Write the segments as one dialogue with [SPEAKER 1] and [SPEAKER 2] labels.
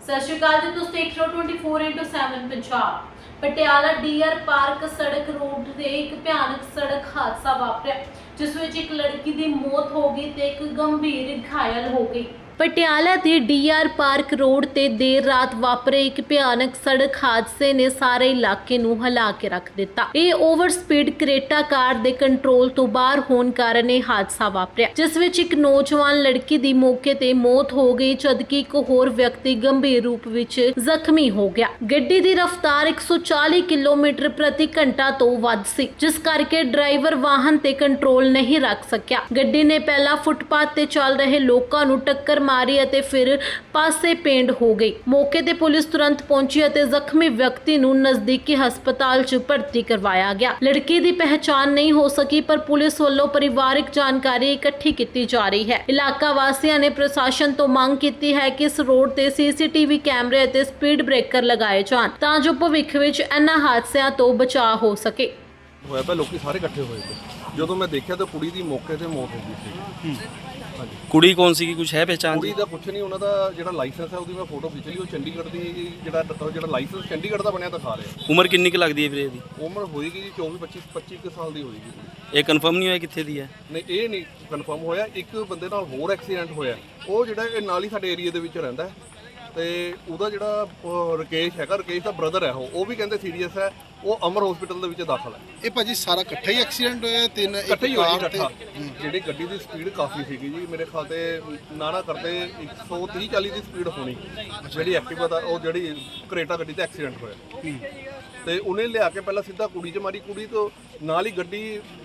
[SPEAKER 1] ਸਤਿ ਸ਼੍ਰੀ ਅਕਾਲ ਜੀ, ਤੁਸੀਂ ਦੇਖ ਰਹੇ ਹੋ 24x7 Punjab. Patiala DR park ਸੜਕ ਰੋਡ ਤੇ ਇੱਕ ਭਿਆਨਕ ਸੜਕ ਹਾਦਸਾ ਵਾਪਰਿਆ, ਜਿਸ ਵਿੱਚ ਇੱਕ ਲੜਕੀ ਦੀ ਮੌਤ ਹੋ ਗਈ ਤੇ ਇੱਕ ਗੰਭੀਰ ਘਾਇਲ ਹੋ ਗਈ। ਪਟਿਆਲਾ ਦੇ ਡੀਆਰ ਪਾਰਕ ਰੋਡ ਤੇ ਦੇਰ ਰਾਤ ਵਾਪਰੇ ਇੱਕ ਭਿਆਨਕ ਸੜਕ ਹਾਦਸੇ ਨੇ ਸਾਰੇ ਇਲਾਕੇ ਨੂੰ ਹਿਲਾ ਕੇ ਰੱਖ ਦਿੱਤਾ। ਇਹ ਓਵਰ ਸਪੀਡ ਕਰੇਟਾ ਕਾਰ ਦੇ ਕੰਟਰੋਲ ਤੋਂ ਬਾਹਰ ਹੋਣ ਕਾਰਨ ਇਹ ਹਾਦਸਾ ਵਾਪਰਿਆ, ਜਿਸ ਵਿੱਚ ਇੱਕ ਨੌਜਵਾਨ ਲੜਕੀ ਦੀ ਮੌਕੇ ਤੇ ਮੌਤ ਹੋ ਗਈ, ਜਦਕਿ ਇੱਕ ਹੋਰ ਵਿਅਕਤੀ ਗੰਭੀਰ ਰੂਪ ਵਿੱਚ ਜ਼ਖਮੀ ਹੋ ਗਿਆ। ਗੱਡੀ ਦੀ ਰਫ਼ਤਾਰ 140 ਕਿਲੋਮੀਟਰ ਪ੍ਰਤੀ ਘੰਟਾ ਤੋਂ ਵੱਧ ਸੀ, ਜਿਸ ਕਰਕੇ ਡਰਾਈਵਰ ਵਾਹਨ ਤੇ ਕੰਟਰੋਲ ਨਹੀਂ ਰੱਖ ਸਕਿਆ। ਗੱਡੀ ਨੇ ਪਹਿਲਾਂ ਫੁੱਟਪਾਥ ਤੇ ਚੱਲ ਰਹੇ ਲੋਕਾਂ ਨੂੰ ਟੱਕਰ ਮਾਰੀ ਅਤੇ ਫਿਰ ਪਾਸੇ ਪੇਂਡ ਹੋ ਗਈ। ਮੌਕੇ ਤੇ ਪੁਲਿਸ ਤੁਰੰਤ ਪਹੁੰਚੀ ਅਤੇ ਜ਼ਖਮੀ ਵਿਅਕਤੀ ਨੂੰ ਨਜ਼ਦੀਕੀ ਹਸਪਤਾਲ 'ਚ ਭਰਤੀ ਕਰਵਾਇਆ ਗਿਆ। ਲੜਕੀ ਦੀ ਪਹਿਚਾਣ ਨਹੀਂ ਹੋ ਸਕੀ, ਪਰ ਪੁਲਿਸ ਵੱਲੋਂ ਪਰਿਵਾਰਕ ਜਾਣਕਾਰੀ ਇਕੱਠੀ ਕੀਤੀ ਜਾ ਰਹੀ ਹੈ। ਇਲਾਕਾ ਵਾਸੀਆਂ ਨੇ ਪ੍ਰਸ਼ਾਸਨ ਤੋਂ ਮੰਗ ਕੀਤੀ ਹੈ ਕਿ ਇਸ ਰੋਡ ਤੇ ਸੀਸੀਟੀਵੀ ਕੈਮਰੇ ਅਤੇ ਸਪੀਡ ਬ੍ਰੇਕਰ ਲਗਾਏ ਜਾਣ, ਤਾਂ ਜੋ ਭਵਿੱਖ ਵਿੱਚ ਇਹਨਾਂ ਹਾਦਸਿਆਂ ਤੋਂ ਬਚਾਅ ਹੋ ਸਕੇ।
[SPEAKER 2] ਹੋਇਆ ਤਾਂ ਲੋਕੀ ਸਾਰੇ ਇਕੱਠੇ ਹੋਏ ਤੇ ਜਦੋਂ ਮੈਂ ਦੇਖਿਆ ਤਾਂ ਕੁੜੀ ਦੀ ਮੌਕੇ ਤੇ ਮੌਤ ਹੋ ਗਈ ਸੀ। ਹਾਂਜੀ,
[SPEAKER 3] ਕੁੜੀ ਕੌਣ ਸੀ, ਕੁਝ ਹੈ ਪਹਿਚਾਣ
[SPEAKER 2] ਕੁੜੀ
[SPEAKER 3] ਜੀ?
[SPEAKER 2] ਦਾ ਕੁਛ ਨਹੀਂ, ਉਹਨਾਂ ਦਾ ਜਿਹੜਾ ਲਾਇਸੈਂਸ ਹੈ ਉਹਦੀ ਮੈਂ ਫੋਟੋ ਖਿੱਚ ਲਈ। ਉਹ ਚੰਡੀਗੜ੍ਹ ਦੀ ਜਿਹੜਾ ਲਾਇਸੈਂਸ ਚੰਡੀਗੜ੍ਹ ਦਾ ਬਣਿਆ ਦਿਖਾ ਰਿਹਾ।
[SPEAKER 3] ਉਮਰ ਕਿੰਨੀ ਕੁ ਲੱਗਦੀ ਹੈ ਵੀਰੇ ਇਹਦੀ?
[SPEAKER 2] ਉਮਰ ਹੋਏਗੀ ਜੀ 25 ਕੁ ਸਾਲ ਦੀ ਹੋਏਗੀ।
[SPEAKER 3] ਇਹ ਕਨਫਰਮ ਨਹੀਂ ਹੋਇਆ ਕਿੱਥੇ ਦੀ ਹੈ?
[SPEAKER 2] ਨਹੀਂ, ਇਹ ਨਹੀਂ ਕਨਫਰਮ ਹੋਇਆ। ਇੱਕ ਬੰਦੇ ਨਾਲ ਹੋਰ ਐਕਸੀਡੈਂਟ ਹੋਇਆ, ਉਹ ਜਿਹੜਾ ਇਹ ਨਾਲ ਹੀ ਸਾਡੇ ਏਰੀਆ ਦੇ ਵਿੱਚ ਰਹਿੰਦਾ ਹੈ, ਤੇ ਉਹਦਾ ਜਿਹੜਾ ਰਕੇਸ਼ ਹੈਗਾ, ਰਕੇਸ਼ ਦਾ ਬ੍ਰਦਰ ਹੈ, ਉਹ ਵੀ ਕਹਿੰਦੇ ਸੀਰੀਅਸ ਹੈ। ਉਹ ਅਮਰ ਹਸਪੀਟਲ ਦੇ ਵਿੱਚ ਦਾਖਲ ਹੈ।
[SPEAKER 4] ਇਹ ਭਾਜੀ ਸਾਰਾ ਇਕੱਠਾ ਹੀ ਐਕਸੀਡੈਂਟ ਹੋਇਆ?
[SPEAKER 2] ਇਕੱਠੇ ਹੀ ਹੋਇਆ ਜੀ, ਇਕੱਠਾ। ਜਿਹੜੀ ਗੱਡੀ ਦੀ ਸਪੀਡ ਕਾਫੀ ਸੀਗੀ ਜੀ, ਮੇਰੇ ਖਿਆਲ ਤੇ ਨਾ ਕਰਦੇ 130-40 ਦੀ ਸਪੀਡ ਹੋਣੀ। ਜਿਹੜੀ ਐਕਟਿਵਾ ਦਾ, ਉਹ ਜਿਹੜੀ ਕਰੇਟਾ ਗੱਡੀ ਤੇ ਐਕਸੀਡੈਂਟ ਹੋਇਆ, ਤੇ ਉਹਨੇ ਲਿਆ ਕੇ ਪਹਿਲਾਂ ਸਿੱਧਾ ਕੁੜੀ 'ਚ ਮਾਰੀ। ਕੁੜੀ ਤੋਂ ਨਾਲ ਹੀ ਗੱਡੀ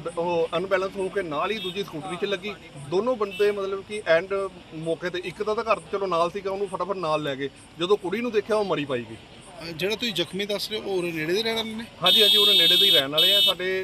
[SPEAKER 2] ਉਹ ਅਨਬੈਲੈਂਸ ਹੋ ਕੇ ਨਾਲ ਹੀ ਦੂਜੀ ਸਕੂਟਰੀ 'ਚ ਲੱਗੀ। ਦੋਨੋਂ ਬੰਦੇ ਮਤਲਬ ਕਿ ਐਂਡ ਮੌਕੇ ਤੇ, ਇੱਕ ਦਾ ਤਾਂ ਘਰ ਚਲੋ ਨਾਲ ਸੀਗਾ, ਉਹਨੂੰ ਫਟਾਫਟ ਨਾਲ ਲੈ ਗਏ। ਜਦੋਂ ਕੁੜੀ ਨੂੰ ਦੇਖਿਆ ਉਹ ਮਰੀ ਪਾਈ ਗਈ।
[SPEAKER 4] ਜਿਹੜਾ ਤੁਸੀਂ ਜ਼ਖਮੀ ਦੱਸ ਰਹੇ ਹੋ ਉਹ ਨੇੜੇ ਦੇ ਰਹਿਣ ਵਾਲੇ ਨੇ?
[SPEAKER 2] ਹਾਂਜੀ, ਉਹਦੇ ਨੇੜੇ ਦੇ ਹੀ ਰਹਿਣ ਵਾਲੇ ਆ,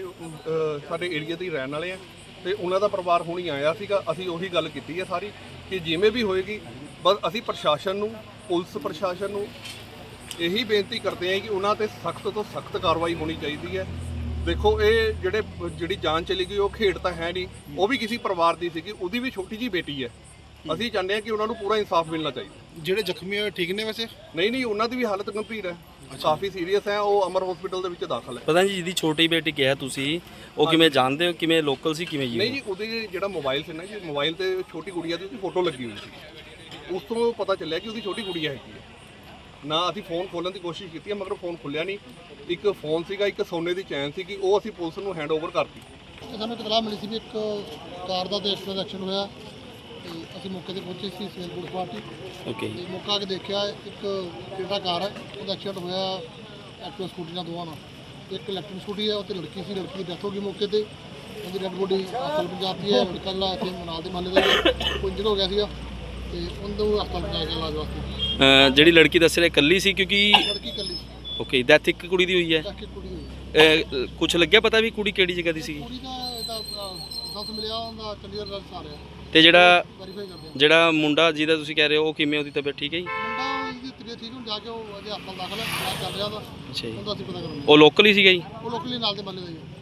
[SPEAKER 2] ਸਾਡੇ ਏਰੀਆ ਦੇ ਹੀ ਰਹਿਣ ਵਾਲੇ ਆ, ਤੇ ਉਹਨਾਂ ਦਾ ਪਰਿਵਾਰ ਹੁਣੀ ਆਇਆ ਸੀਗਾ। ਅਸੀਂ ਉਹੀ ਗੱਲ ਕੀਤੀ ਹੈ ਸਾਰੀ, ਕਿ ਜਿਵੇਂ ਵੀ ਹੋਏਗੀ, ਬਸ ਅਸੀਂ ਪ੍ਰਸ਼ਾਸਨ ਨੂੰ, ਪੁਲਿਸ ਪ੍ਰਸ਼ਾਸਨ ਨੂੰ ਇਹੀ ਬੇਨਤੀ ਕਰਦੇ ਹਾਂ ਕਿ ਉਹਨਾਂ ਤੇ ਸਖਤ ਤੋਂ ਸਖਤ ਕਾਰਵਾਈ ਹੋਣੀ ਚਾਹੀਦੀ ਹੈ। ਦੇਖੋ, ਇਹ ਜਿਹੜੀ ਜਾਨ ਚਲੀ ਗਈ, ਉਹ ਖੇਡ ਤਾਂ ਹੈ ਨਹੀਂ, ਉਹ ਵੀ ਕਿਸੇ ਪਰਿਵਾਰ ਦੀ ਸੀਗੀ, ਉਹਦੀ ਵੀ ਛੋਟੀ ਜਿਹੀ ਬੇਟੀ ਹੈ। ਅਸੀਂ ਚਾਹੁੰਦੇ ਹਾਂ ਕਿ ਉਹਨਾਂ ਨੂੰ ਪੂਰਾ ਇਨਸਾਫ ਮਿਲਣਾ ਚਾਹੀਦਾ।
[SPEAKER 4] ਜਿਹੜੇ ਜ਼ਖਮੀ ਹੋਏ ਠੀਕ ਨੇ ਵੈਸੇ?
[SPEAKER 2] ਨਹੀਂ, ਉਹਨਾਂ ਦੀ ਵੀ ਹਾਲਤ ਗੰਭੀਰ ਹੈ, ਕਾਫੀ ਸੀਰੀਅਸ ਹੈ। ਉਹ ਅਮਰ ਹਸਪੀਟਲ ਦੇ ਵਿੱਚ ਦਾਖਲ ਹੈ।
[SPEAKER 3] ਪਤਾ ਨਹੀਂ ਜਿਹਦੀ ਛੋਟੀ ਬੇਟੀ ਕਿਹਾ ਤੁਸੀਂ, ਉਹ ਕਿਵੇਂ ਜਾਣਦੇ ਹੋ? ਕਿਵੇਂ ਲੋਕਲ ਸੀ, ਕਿਵੇਂ ਜੀ?
[SPEAKER 2] ਨਹੀਂ ਜੀ, ਉਹਦੇ ਜਿਹੜਾ ਮੋਬਾਈਲ ਸੀ ਨਾ ਜੀ, ਮੋਬਾਈਲ ਤੇ ਛੋਟੀ ਗੁੜੀਆ ਦੀ ਉਹਦੀ ਫੋਟੋ ਲੱਗੀ ਹੋਈ ਸੀ। ਉਸ ਤੋਂ ਪਤਾ ਚੱਲਿਆ ਕਿ ਉਹਦੀ ਛੋਟੀ ਗੁੜੀਆ ਹੈਗੀ ਹੈ। ਨਾ ਅਸੀਂ ਫੋਨ ਖੋਲ੍ਹਣ ਦੀ ਕੋਸ਼ਿਸ਼ ਕੀਤੀ ਹੈ, ਮਗਰ ਫੋਨ ਖੁੱਲਿਆ ਨਹੀਂ। ਇੱਕ ਫੋਨ ਸੀਗਾ, ਇੱਕ ਸੋਨੇ ਦੀ ਚੈਨ ਸੀਗੀ, ਉਹ ਅਸੀਂ ਪੁਲਿਸ ਨੂੰ ਹੈਂਡ ਓਵਰ ਕਰਤੀ।
[SPEAKER 5] ਸਾਨੂੰ ਇਤਲਾਹ ਮਿਲੀ ਸੀ ਵੀ ਇੱਕ ਕਾਰ ਦਾ ਤੇ ਐਕਸੀਡੈਂਟ ਹੋਇਆ, ਤੇ ਅਸੀਂ ਮੌਕੇ ਤੇ ਪਹੁੰਚੇ ਸੀ, ਸਿਵਲ ਪੁਲਿਸ ਪਾਰਟੀ।
[SPEAKER 3] ਓਕੇ।
[SPEAKER 5] ਤੇ ਮੌਕਾ ਆ ਕੇ ਦੇਖਿਆ, ਇੱਕ ਜਿਹੜਾ ਕਾਰ ਹੈ ਉਹਦਾ ਐਕਸੀਡੈਂਟ ਹੋਇਆ ਐਕਟਿਵਾ ਸਕੂਟੀ ਨਾਲ, ਦੋਵਾਂ ਨਾਲ। ਇੱਕ ਇਲੈਕਟ੍ਰਿਕ ਸਕੂਟੀ ਹੈ, ਉਹ ਤੇ ਲੜਕੀ ਸੀ, ਲੜਕੀ ਦੀ ਡੈਥ ਹੋ ਗਈ ਮੌਕੇ ਤੇ। ਉਹਦੀ ਡੈਡ ਬੋਡੀ ਹਸਪਤਾਲ ਪਹੁੰਚਾਤੀ ਹੈ। ਕੱਲ੍ਹ ਇੱਥੇ ਮਨਾਲ ਦੇ ਮਹੱਲੇ ਦਾ ਕੋਈ ਇੰਜਰ ਹੋ ਗਿਆ ਸੀਗਾ, ਤੇ ਉਹਨੂੰ ਹਸਪਤਾਲ ਪਹੁੰਚਾਇਆ ਗਿਆ ਇਲਾਜ ਵਾਸਤੇ।
[SPEAKER 3] ਜਿਹੜੀ ਲੜਕੀ ਦੱਸ ਰਿਹਾ ਇਕੱਲੀ ਸੀ, ਕਿਉਂਕਿ
[SPEAKER 5] ਲੜਕੀ ਇਕੱਲੀ ਸੀ,
[SPEAKER 3] ਓਕੇ, ਡੈਥ ਇੱਕ ਕੁੜੀ ਦੀ ਹੋਈ ਹੈ।
[SPEAKER 5] ਚੱਕ ਕੇ ਕੁੜੀ ਹੋਈ।
[SPEAKER 3] ਕੁਝ ਲੱਗਿਆ ਪਤਾ ਵੀ ਕੁੜੀ ਕਿਹੜੀ ਜਗ੍ਹਾ ਦੀ ਸੀਗੀ?
[SPEAKER 5] ਕੁੜੀ ਦਾ ਇਹਦਾ ਸੱਸ ਮਿਲਿਆ, ਉਹਦਾ ਚੰਡੀਗੜ੍ਹ ਦਾ ਆ ਰਿਹਾ,
[SPEAKER 3] ਤੇ
[SPEAKER 5] ਵੈਰੀਫਾਈ ਕਰਦੇ ਆ।
[SPEAKER 3] ਜਿਹੜਾ ਮੁੰਡਾ ਜਿਹਦਾ ਤੁਸੀਂ ਕਹਿ ਰਹੇ ਹੋ, ਉਹ ਕਿਵੇਂ, ਉਹਦੀ ਤਬੀਅਤ ਠੀਕ ਹੈ ਜੀ?
[SPEAKER 5] ਮੁੰਡਾ ਇਹਦੀ ਤਬੀਅਤ ਠੀਕ ਹੁਣ ਜਾ ਕੇ ਉਹ ਅਜੇ ਹਸਪਤਾਲ ਦਾਖਲ ਹੈ, ਇਲਾਜ ਚੱਲ ਰਿਹਾ ਉਹਦਾ।
[SPEAKER 3] ਅੱਛਾ ਜੀ,
[SPEAKER 5] ਉਹਦਾ ਅਸੀਂ ਪਤਾ ਕਰਾਂਗੇ।
[SPEAKER 3] ਉਹ ਲੋਕਲ ਹੀ ਸੀਗਾ ਜੀ?
[SPEAKER 5] ਉਹ ਲੋਕਲੀ ਨਾਲ ਦੇ ਮਹੱਲੇ ਦਾ ਹੀ ਹੈ।